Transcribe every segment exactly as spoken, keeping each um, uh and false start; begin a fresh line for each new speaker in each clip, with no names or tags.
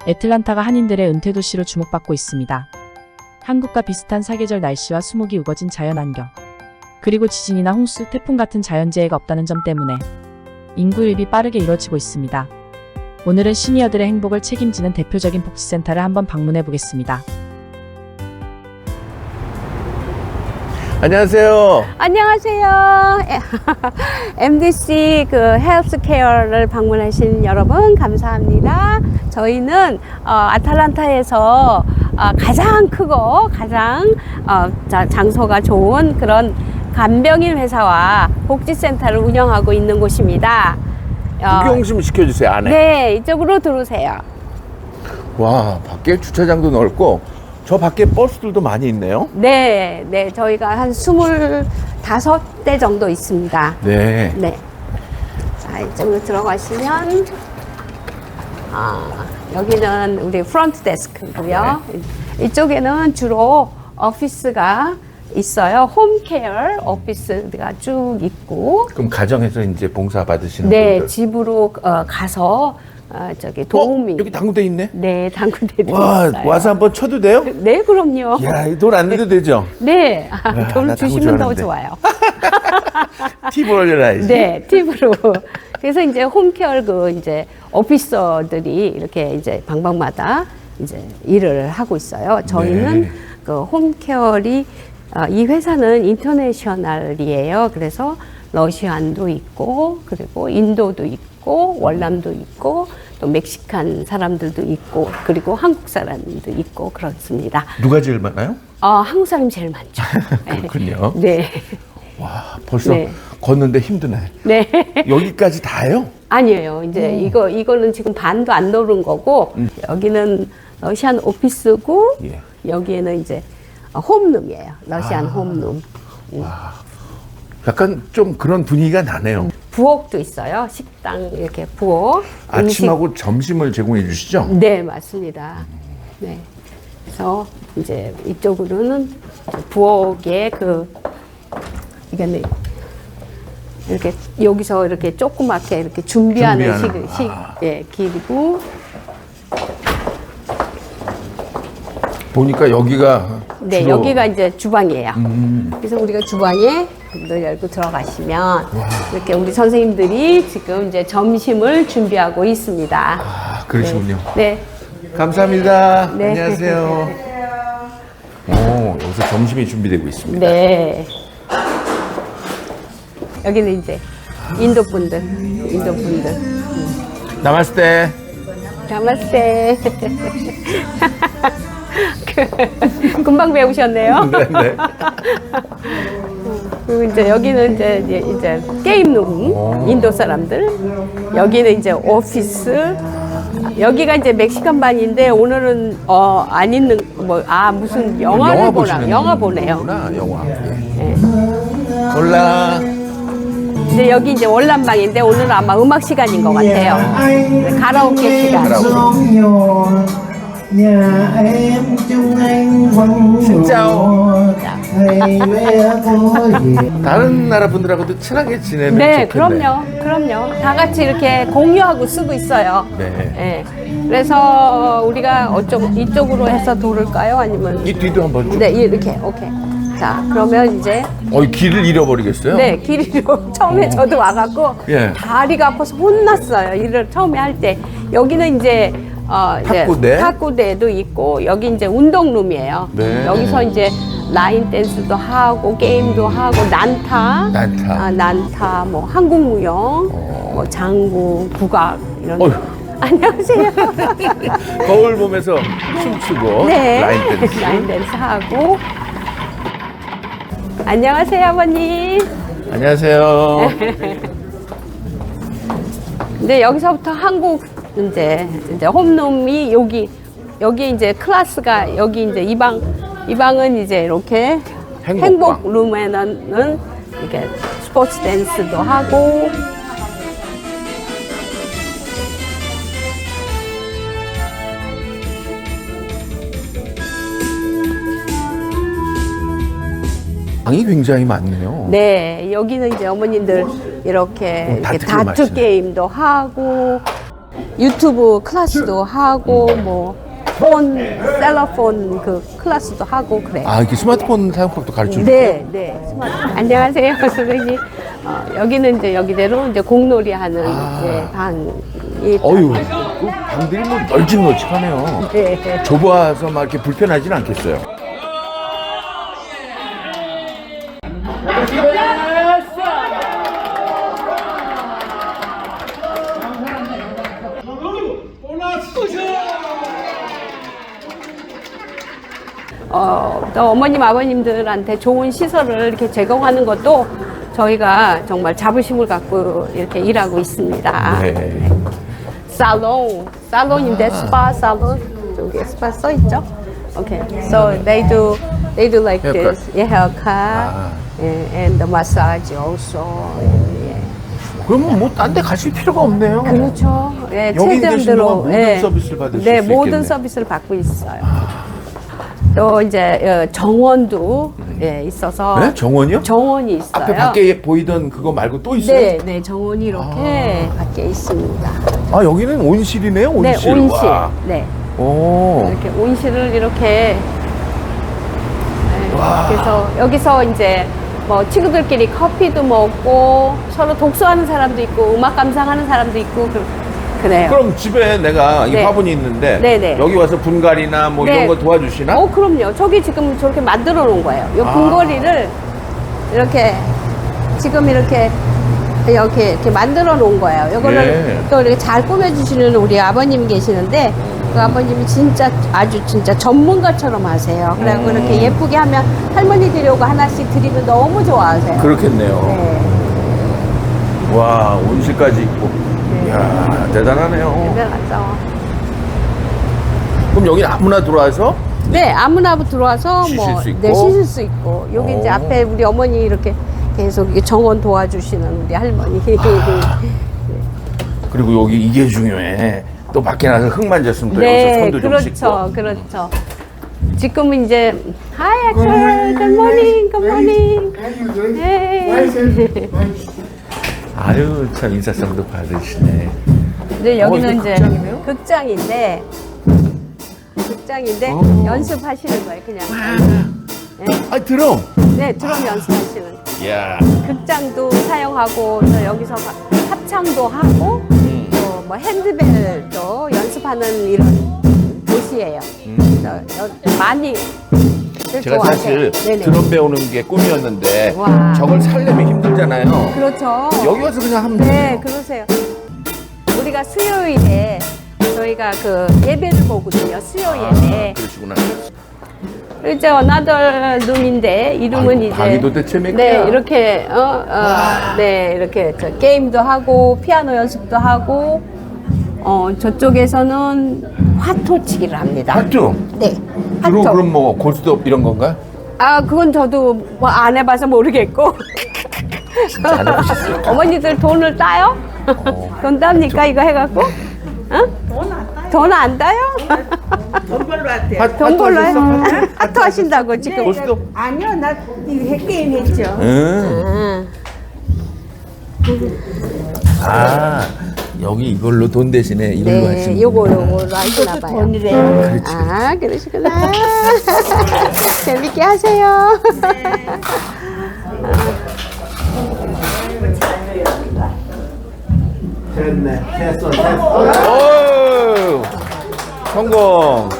애틀란타가 한인들의 은퇴 도시로 주목받고 있습니다. 한국과 비슷한 사계절 날씨와 수목이 우거진 자연환경, 그리고 지진이나 홍수, 태풍 같은 자연재해가 없다는 점 때문에 인구 유입이 빠르게 이루어지고 있습니다. 오늘은 시니어들의 행복을 책임지는 대표적인 복지센터를 한번 방문해 보겠습니다.
안녕하세요.
안녕하세요. 엠디씨 그 헬스케어를 방문하신 여러분 감사합니다. 저희는 어, 아틀란타에서 어, 가장 크고 가장 어, 자, 장소가 좋은 그런 간병인 회사와 복지센터를 운영하고 있는 곳입니다. 어,
구경 좀 시켜주세요, 안에.
네, 이쪽으로 들어오세요.
와, 밖에 주차장도 넓고 저 밖에 버스들도 많이 있네요.
네, 네, 저희가 한 스물다섯 대 정도 있습니다.
네.
네. 자, 이쪽으로 들어가시면, 아, 여기는 우리 프론트 데스크고요. 네. 이쪽에는 주로 오피스가 있어요. 홈케어 오피스가 쭉 있고.
그럼 가정에서 이제 봉사 받으시는
네,
분들.
집으로 어, 가서 어, 저기 도우미.
어? 여기 당구대 있네.
네, 당구대도
와,
있어요.
와서 한번 쳐도 돼요?
네, 그럼요.
이야, 돈 안 내도 되죠?
네, 아,
와,
돈
나 당구
주시면 더
좋아하는데.
좋아요.
팁을 올려놔야지.
네, 팁으로. 그래서 이제 홈케어 그 이제 오피서들이 이렇게 이제 방방마다 이제 일을 하고 있어요. 저희는
네.
그 홈케어이 어, 이 회사는 인터내셔널이에요. 그래서 러시안도 있고 그리고 인도도 있고 월남도 있고 또 멕시칸 사람들도 있고 그리고 한국 사람도 있고 그렇습니다.
누가 제일 많아요?
어, 한국 사람이 제일 많죠.
그렇군요.
네.
와, 벌써
네.
걷는데 힘드네.
네.
여기까지 다요?
아니에요. 이제 이거 이거는 지금 반도 안 노른 거고
음.
여기는 러시안 오피스고
예.
여기에는 이제 홈룸이에요. 러시안
아.
홈룸.
약간 좀 그런 분위기가 나네요.
부엌도 있어요. 식당 이렇게 부엌.
아침하고 점심을 제공해 주시죠?
음식. 네, 맞습니다. 네. 그래서 이제 이쪽으로는 부엌에 그 이게 이렇게 여기서 이렇게 조그맣게 이렇게 준비하는,
준비하는.
식, 식
아.
예, 길이고
보니까 여기가
네,
주로
여기가 이제 주방이에요.
음.
그래서 우리가 주방에 문을 열고 들어가시면 이렇게 우리 선생님들이 지금 이제 점심을 준비하고 있습니다.
아, 그러시군요.
네.
감사합니다.
네.
안녕하세요. 오, 여기서 점심이 준비되고 있습니다.
네. 여기는 이제 인도 분들, 인도 분들.
남았을 때
나마스테. 그, 금방 배우셨네요.
네, 네.
그리고 이제 여기는 이제 이제, 이제 게임룸, 인도 사람들. 여기는 이제 오피스. 여기가 이제 멕시칸 반인데 오늘은 어, 안 있는 뭐 아 무슨 영화를
영화
보나
보시는
영화 보네요.
분이구나, 영화. 예.
네.
올라.
근데 여기 이제 월남방인데 오늘은 아마 음악 시간인 것 같아요. 네, 가라오케 시간.
Nhà em chung anh vắng
Xin chào.
Thầy bé có gì
다른 나라 분들하고도 친하게 지내면
네,
좋겠네.
그럼요, 그럼요. 다 같이 이렇게 공유하고 쓰고 있어요.
네.
네. 그래서 우리가 어쩌고 이쪽으로 해서 돌을까요? 아니면
이 뒤도 한번 쭉.
네, 이렇게 오케이. 자, 그러면 이제
어, 이 길을 잃어버리겠어요?
네, 길이로 처음에 저도 와갖고
예.
다리가 아파서 혼났어요. 일을 처음에 할 때. 여기는 이제 어, 이제
탁구대?
탁구대도 있고 여기 이제 운동룸이에요.
네.
여기서 이제 라인 댄스도 하고 게임도 하고 난타,
난타.
아, 난타, 뭐 한국무용, 뭐 장구, 국악 이런.
어휴.
안녕하세요.
거울 보면서 춤추고
네,
라인 댄스.
라인 댄스 하고. 안녕하세요, 아버님.
안녕하세요.
근데 여기서부터 한국 이제 이제 홈룸이 여기 여기 이제 클래스가 여기 이제 이 방 이 방은 이제 이렇게
행복방.
행복 룸에는 이렇게 스포츠 댄스도 하고
방이 굉장히 많네요.
네 여기는 이제 어머님들 이렇게,
어, 다트
이렇게
게임
다투
하시네.
게임도 하고 유튜브 클래스도 하고 뭐 폰, 셀러폰 그 클래스도 하고 그래요.
아, 이렇게 스마트폰 사용법도 가르쳐 주고.
네, 네. 스마트. 안녕하세요, 선생님. 어, 여기는 이제 여기대로 이제 공놀이 하는 이제 방이.
어유, 그 방들이 뭐 널찍널찍하네요.
네.
좁아서 막 이렇게 불편하진 않겠어요.
어, 또 어머님, 아버님들한테 좋은 시설을 이렇게 제공하는 것도 저희가 정말 자부심을 갖고 이렇게 일하고 있습니다.
네.
살롱, 살롱인데 스파 살롱 저기 스파 써 있죠? Okay, so they do they do like
Haircut.
this, yeah, haircut,
아.
and, and the massage also. Yeah.
그러면 뭐 딴 데 가실 필요가 없네요.
그렇죠. 예,
여기 계시면
최저임대로
모든 서비스를 받으실
네,
수
모든
있겠네.
서비스를 받고 있어요. 또 이제 어, 정원도 예, 있어서
네? 정원이요?
정원이 있어요.
앞에 밖에 보이던 그거 말고 또 있어요?
네, 네, 정원이 이렇게 밖에 있습니다.
아, 여기는 온실이네요, 온실.
네, 온실.
와.
네,
오.
이렇게 온실을 이렇게. 네, 그래서 여기서 이제 뭐 친구들끼리 커피도 먹고 서로 독서하는 사람도 있고 음악 감상하는 사람도 있고 그, 그래요.
그럼 집에 내가 이
네.
화분이 있는데
네, 네.
여기 와서 분갈이나 뭐
네.
이런 거 도와주시나?
어, 그럼요. 저기 지금 저렇게 만들어 놓은 거예요. 요
아.
분거리를 이렇게 지금 이렇게 이렇게 이렇게 만들어 놓은 거예요. 요거를
예.
또 이렇게 잘 꾸며주시는 우리 아버님이 계시는데 그 아버님이 진짜 아주 진짜 전문가처럼 하세요. 그래고
음.
이렇게 예쁘게 하면 할머니들이 오고 하나씩 드리면 너무 좋아하세요.
그렇겠네요.
네.
와, 온실까지 있고. 이야, 대단하네요.
대단하죠.
그럼 여기 아무나 들어와서
네, 아무나 들어와서
쉬실
뭐
수 있고?
네, 쉬실 수 있고 여기 이제
오.
앞에 우리 어머니 이렇게 계속 이렇게 정원 도와주시는 우리 할머니.
아. 그리고 여기 이게 중요해. 또 밖에 나서 흙 만졌으면 또 여기서
네,
손도 좀 씻고.
그렇죠, 그렇죠. 지금은 이제 Hi, Axel. Good morning, good morning. Hey.
아유, 참 인사성도 받으시네.
이제 여기는
어, 이거
이제
극장이네요?
극장인데 극장인데
어.
연습하시는 거예요, 그냥.
아, 드럼.
네, 드럼 연습하시는.
이야.
극장도 사용하고 또 여기서 가- 합창도 하고
음.
또 뭐 핸드벨도 연습하는 이런 곳이에요.
음.
여- 여- 많이
제가 사실
네네.
드럼 배우는 게 꿈이었는데
와.
저걸 살려면 힘들잖아요.
그렇죠.
여기 와서 그냥 하면
네,
돼요.
그러세요. 우리가 수요일에 저희가 그 예배를 보거든요. 수요 예배.
아, 그러시구나.
이제 어나더 룸인데 이름은
아이고,
이제
방이 도대체 몇
네
개야?
이렇게 어, 어, 네 이렇게 저 게임도 하고 피아노 연습도 하고 어 저쪽에서는 화토치기를 합니다.
맞죠?
네.
주로
화토.
그럼 뭐 고스톱 이런 건가요?
아 그건 저도 뭐 안 해봐서 모르겠고.
진짜 안 해보셨어요?
어머니들 돈을 따요? 돈 땁니까 이거 해갖고? 어? 돈 안 따요?
돈 벌러 왔대요.
하-
돈 벌러 해?
하셨어?
하토 하신다고 지금.
고스톱?
아니요, 나 이거 게임 했죠.
응.
응.
아, 여기 이걸로 돈 대신에 이걸로
네,
하시는
요거 요거로 하시나 봐요.
돈이래요.
그렇지.
아, 그러시구나. 재밌게 하세요.
됐네. 됐어, 됐어.
오, 성공.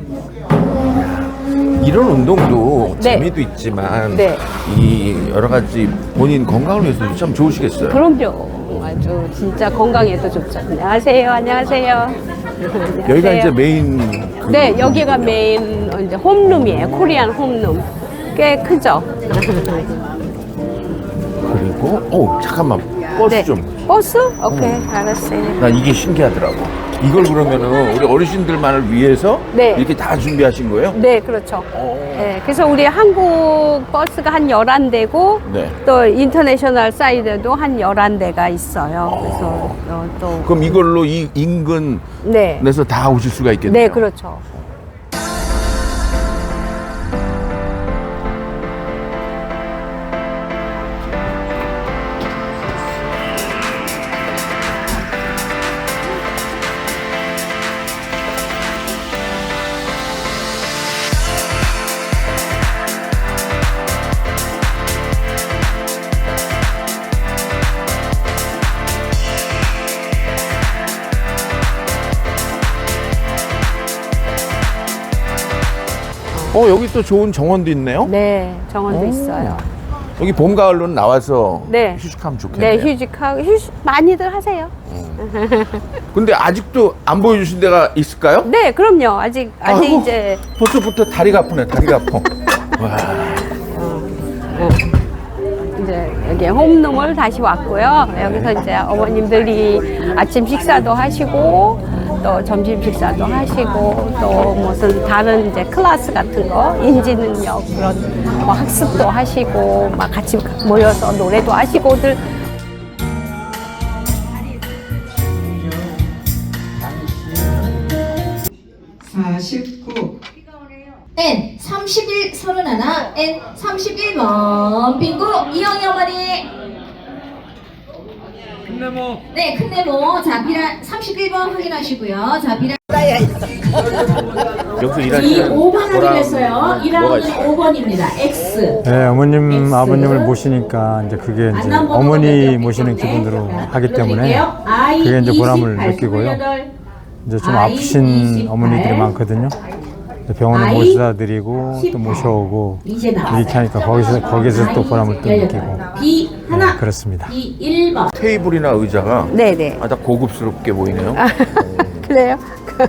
이런 운동도
네.
재미도 있지만
네.
이 여러 가지 본인 건강을 위해서도 참 좋으시겠어요.
그럼요. 아주 진짜 건강에도 좋죠. 안녕하세요. 안녕하세요.
여기가
안녕하세요.
이제 메인. 그
네, 여기가 메인 이제 홈룸이에요. 코리안 홈룸. 꽤 크죠.
그리고 오 잠깐만 버스
네.
좀.
버스? 오케이, 알았어요.
난 이게 신기하더라고. 이걸 그러면은 우리 어르신들만을 위해서
네.
이렇게 다 준비하신 거예요?
네, 그렇죠.
오.
네, 그래서 우리 한국 버스가 한 열한 대고
네.
또 인터내셔널 사이드도 한 열한 대가 있어요. 그래서 어, 또
그럼 이걸로 이 인근에서
네.
다 오실 수가 있겠네요.
네, 그렇죠.
어, 여기 또 좋은 정원도 있네요.
네, 정원도
오.
있어요.
여기 봄, 가을로는 나와서
네.
휴식하면 좋겠네요.
네, 휴직하고 휴식 많이들 하세요.
근데 아직도 안 보여주신 데가 있을까요?
네, 그럼요. 아직 아직
아이고.
이제
벌써부터 다리가 아프네. 다리가 아파. 와.
이제 여기 홈룸을 다시 왔고요. 여기서 이제 어머님들이 아침 식사도 하시고 또 점심 식사도 하시고 또 무슨 다른 이제 클래스 같은 거 인지 능력 그런 뭐 학습도 하시고 막 같이 모여서 노래도 하시고들.
사십구 N 삼십일 서른하나 N 삼십일 번 빙고 이영희 어머니 큰네모 네 큰네모 자 비라 삼십일 번 확인하시고요. 자 비라
여기서
이
일하시는
오 번
보람
확인했어요.
뭐가
일하는
있어요?
오 번입니다. X
네, 어머님,
X.
아버님을 모시니까 이제 그게 이제 어머니 모시는 기분으로 하기 때문에 그게 이제 보람을 느끼고요. 이제 좀 아프신 어머니들이 많거든요. 병원에 모셔다 드리고 또 모셔오고
이제
이렇게
나왔어요.
하니까 거기서 거기서 또 보람을 또 느끼고
B 하나
네, 그렇습니다.
B 일 번
테이블이나 의자가
네네.
아, 다 고급스럽게 보이네요.
그래요?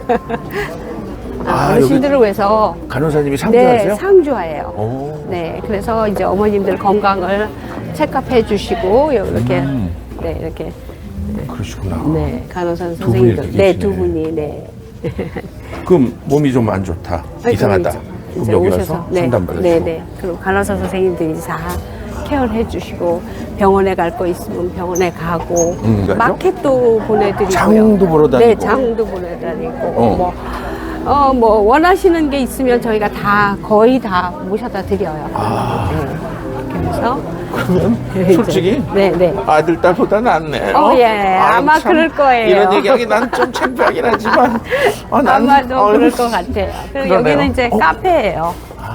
아,
어르신들을 위해서
간호사님이
네,
상주하세요?
상주하예요.
오.
네, 그래서 이제 어머님들 건강을 체크해 주시고 이렇게
음.
네 이렇게
그러시구나.
네 간호사
분이
선생님들
이렇게
네
계시네.
두 분이 네
그럼 몸이 좀 안 좋다. 이상하다.
이제
그럼 여기 와서
네,
상담받으시고.
네, 네. 그리고 간호사 선생님들이 다 케어를 해주시고 병원에 갈 거 있으면 병원에 가고
음, 가죠?
마켓도 보내드리고요.
장도 보러 다니고.
네, 장도 보내다니고
어.
뭐. 어, 뭐, 원하시는 게 있으면 저희가 다, 거의 다 모셔다 드려요.
아.
네. 그래서.
그러면
이제,
솔직히
네, 네.
아들 딸보다 낫네.
어, 예.
아유,
아마
참,
그럴 거예요.
이런 얘기하기 난 좀 창피하긴 하지만 아, 난,
아마도
어휴,
그럴 것 같아요. 그리고
그러네요.
여기는 이제
어? 아.
카페예요.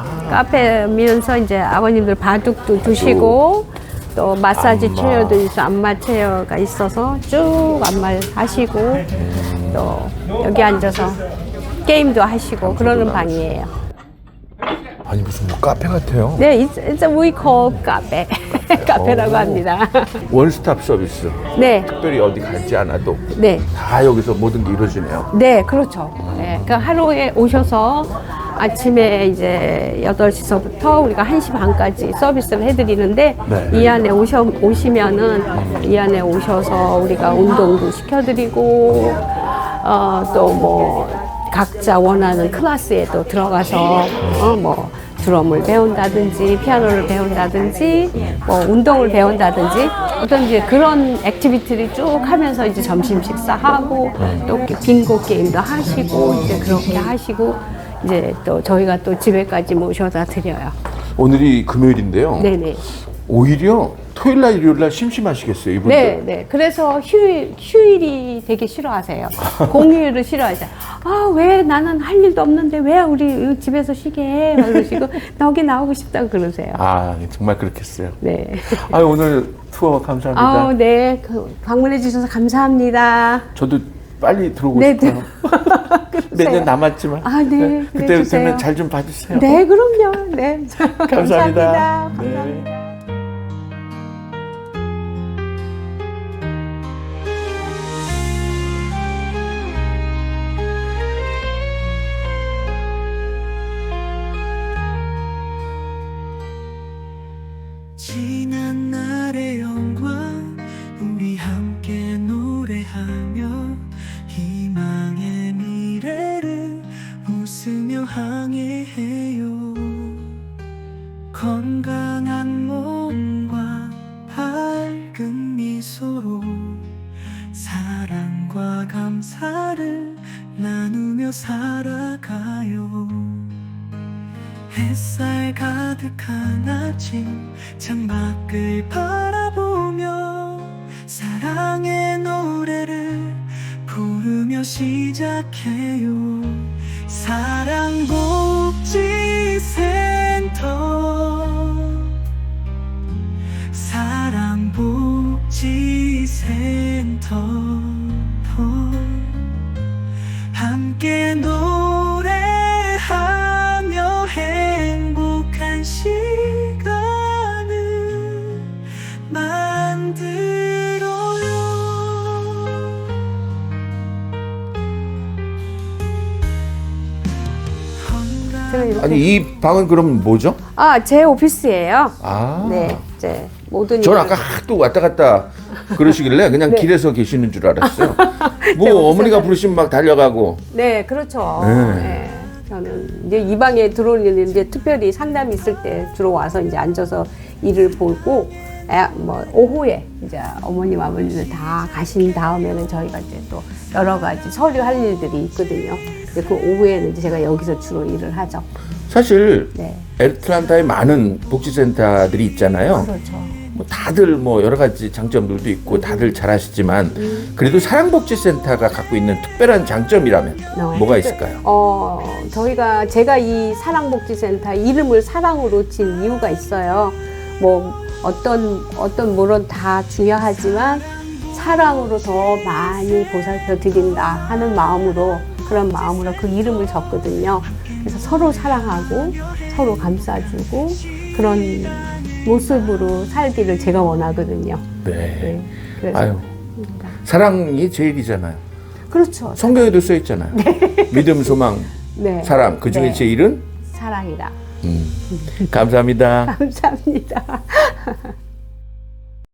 카페면서 이제 아버님들 바둑도 두시고 또 마사지
안마.
체어도 있어, 안마 체어가 있어서 쭉 안마 하시고 또 여기 앉아서 게임도 하시고 그러는 방이에요.
아니 무슨 뭐 카페 같아요.
네, it's, it's a we call 카페. 카페라고
오.
합니다.
원스톱 서비스.
네,
특별히 어디 가지 않아도
네.
다 여기서 모든 게 이루어지네요.
네, 그렇죠. 네, 그러니까 하루에 오셔서 아침에 이제 여덟 시서부터 우리가 한 시 반까지 서비스를 해드리는데
네.
이 안에 오셔, 오시면은 이 안에 오셔서 우리가 운동도 시켜드리고 어, 또 뭐 각자 원하는 클래스에도 들어가서 어, 뭐 드럼을 배운다든지 피아노를 배운다든지 뭐 운동을 배운다든지 어떤 이제 그런 액티비티를 쭉 하면서 이제 점심 식사하고 또 이렇게 빙고 게임도 하시고 이제 그렇게 하시고 이제 또 저희가 또 집에까지 모셔다 드려요.
오늘이 금요일인데요.
네네.
오히려 토요일 날 일요일 날 심심하시겠어요, 이분들.
네, 네. 그래서 휴일, 휴일이 되게 싫어하세요. 공휴일을 싫어하세요. 아, 왜 나는 할 일도 없는데 왜 우리 집에서 쉬게 해? 막 그러시고, 나 여기 나오고 싶다고 그러세요.
아, 정말 그렇겠어요.
네.
아, 오늘 투어 감사합니다.
아, 네. 그 방문해 주셔서 감사합니다.
저도 빨리 들어오고
네,
싶어요.
그러세요.
몇 년 남았지만.
아, 네.
그때
그래주세요.
되면 잘 좀 봐주세요.
네, 그럼요. 네.
감사합니다.
감사합니다.
네.
지난 날의 영광 우리 함께 노래하며 희망의 미래를 웃으며 항해해요. 건강한 몸과 밝은 미소로 사랑과 감사를 나누며 살아가요. 햇살 가득한 아침 창밖을 바라보며 사랑의 노래를 부르며 시작해요. 사랑복지센터 사랑복지센터 함께 노래하며 해
저는 이렇게
아니 이 방은 그럼 뭐죠?
아, 제 오피스예요.
아,
네, 이제 모든
저는
일을-
아까 하도 왔다 갔다 그러시길래 그냥
네.
길에서 계시는 줄 알았어요.
제
뭐
오피스가-
어머니가 부르시면 막 달려가고.
네, 그렇죠.
네.
네. 저는 이제 이 방에 들어오는 이제 특별히 상담이 있을 때 주로 와서 이제 앉아서 일을 보고, 아, 뭐 오후에 이제 어머님 아버님들 다 가신 다음에는 저희가 이제 또 여러 가지 서류 할 일들이 있거든요. 이제 그 오후에는 이제 제가 여기서 주로 일을 하죠.
사실
네,
애틀란타에 많은 복지센터들이 있잖아요.
그렇죠.
뭐 다들 뭐 여러 가지 장점들도 있고 다들 잘 아시지만 그래도 사랑복지센터가 갖고 있는 특별한 장점이라면
네.
뭐가 있을까요?
어, 저희가 제가 이 사랑복지센터 이름을 사랑으로 진 이유가 있어요. 뭐 어떤 어떤 물론 다 중요하지만 사랑으로 더 많이 보살펴 드린다 하는 마음으로 그런 마음으로 그 이름을 졌거든요. 그래서 서로 사랑하고 서로 감싸주고 그런 모습으로 살기를 제가 원하거든요.
네.
네. 그래서
아유, 사랑이 제일이잖아요.
그렇죠.
성경에도 써 있잖아요. 믿음, 소망,
네.
사랑. 그 중에
네.
제일은
사랑이다.
음. 감사합니다.
감사합니다.